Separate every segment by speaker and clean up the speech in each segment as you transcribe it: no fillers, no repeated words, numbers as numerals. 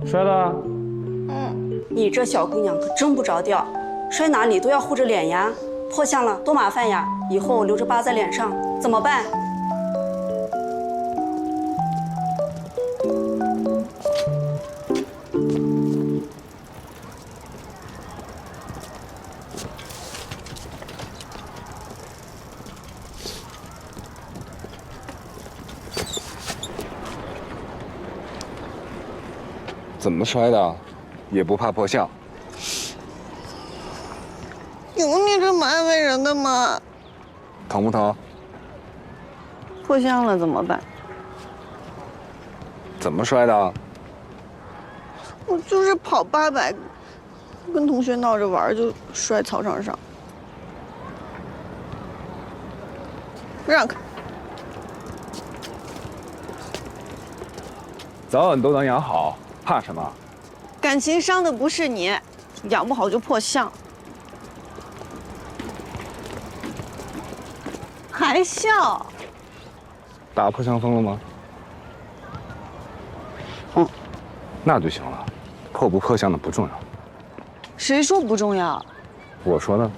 Speaker 1: 摔了。
Speaker 2: 你这小姑娘可真不着调，摔哪里都要护着脸呀，破相了多麻烦呀，以后留着疤在脸上怎么办？
Speaker 3: 怎么摔的？也不怕破相？
Speaker 4: 有你这么安慰人的吗？
Speaker 3: 疼不疼？
Speaker 4: 破相了怎么办？
Speaker 3: 怎么摔的？
Speaker 4: 我就是跑800，跟同学闹着玩就摔操场上。让开！
Speaker 3: 早晚都能养好，怕什么？
Speaker 4: 感情伤的不是你，养不好就破相。还笑？
Speaker 3: 打破相风了吗？那就行了，破不破相的不重要。
Speaker 4: 谁说不重要？
Speaker 3: 我说的。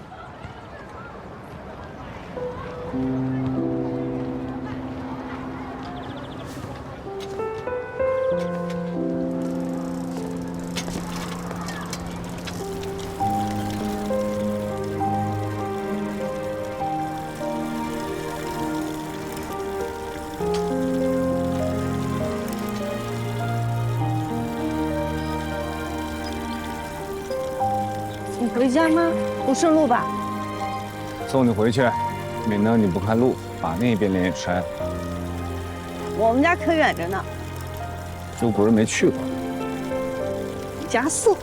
Speaker 4: 你回家吗？不顺路吧？
Speaker 3: 送你回去，免得你不看路，把那边脸也摔了。
Speaker 4: 我们家可远着呢，
Speaker 3: 又不是没去过。
Speaker 4: 加速。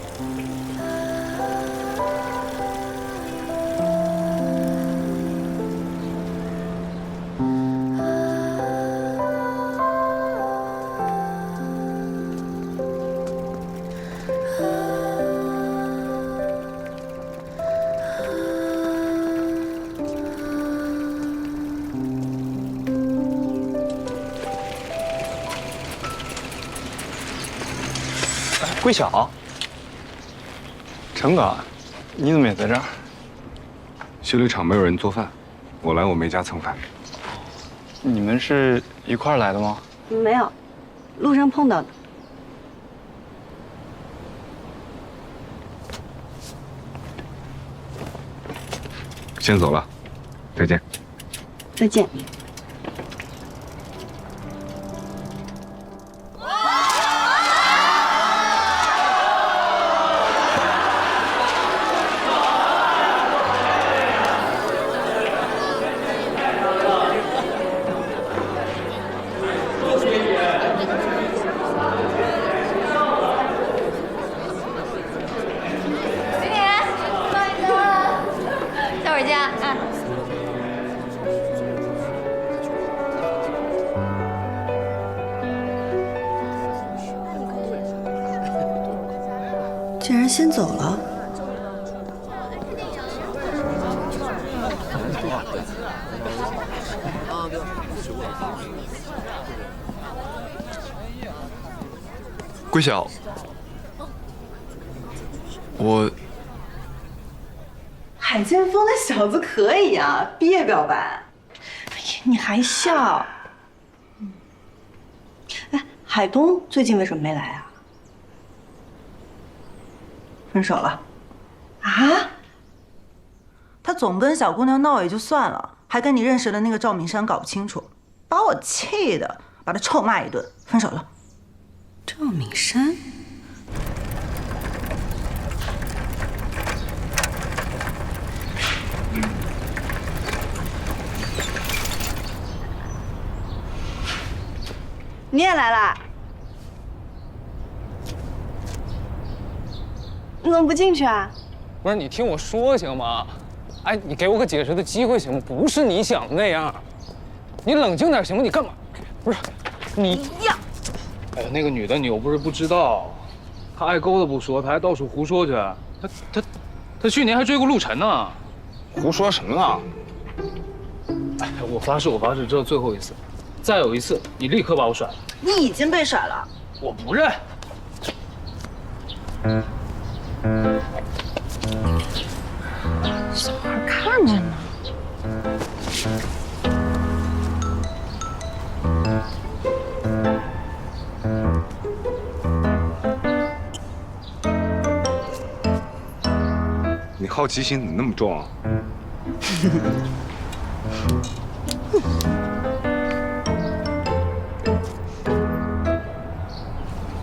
Speaker 1: 桂晓，
Speaker 3: 陈哥，
Speaker 1: 你怎么也在这儿？
Speaker 3: 修理厂没有人做饭，我来我妹家蹭饭。
Speaker 1: 你们是一块儿来的吗？
Speaker 4: 没有，路上碰到的。
Speaker 3: 先走了，再见。
Speaker 4: 再见。
Speaker 2: 竟然先走了。
Speaker 1: 桂晓，我
Speaker 5: 海剑锋那小子可以啊，毕业表白。哎呀，你还笑？哎，海东最近为什么没来啊？分手了？啊？他总跟小姑娘闹也就算了，还跟你认识的那个赵明山搞不清楚，把我气的，把他臭骂一顿，分手了。
Speaker 2: 赵敏山，
Speaker 4: 你也来啦？你怎么不进去啊？
Speaker 6: 不是你听我说行吗？哎，你给我个解释的机会行吗？不是你想的那样，你冷静点行吗？你干嘛？不是你呀！
Speaker 7: 哎呀，那个女的你又不是不知道，她爱勾的不说，她还到处胡说去。她去年还追过陆晨呢。
Speaker 3: 胡说什么呢？
Speaker 7: 哎，我发誓，这是最后一次，再有一次你立刻把我甩了。
Speaker 5: 你已经被甩了。
Speaker 7: 我不认。
Speaker 8: 小孩看着呢。
Speaker 9: 你好奇心怎么那么重啊？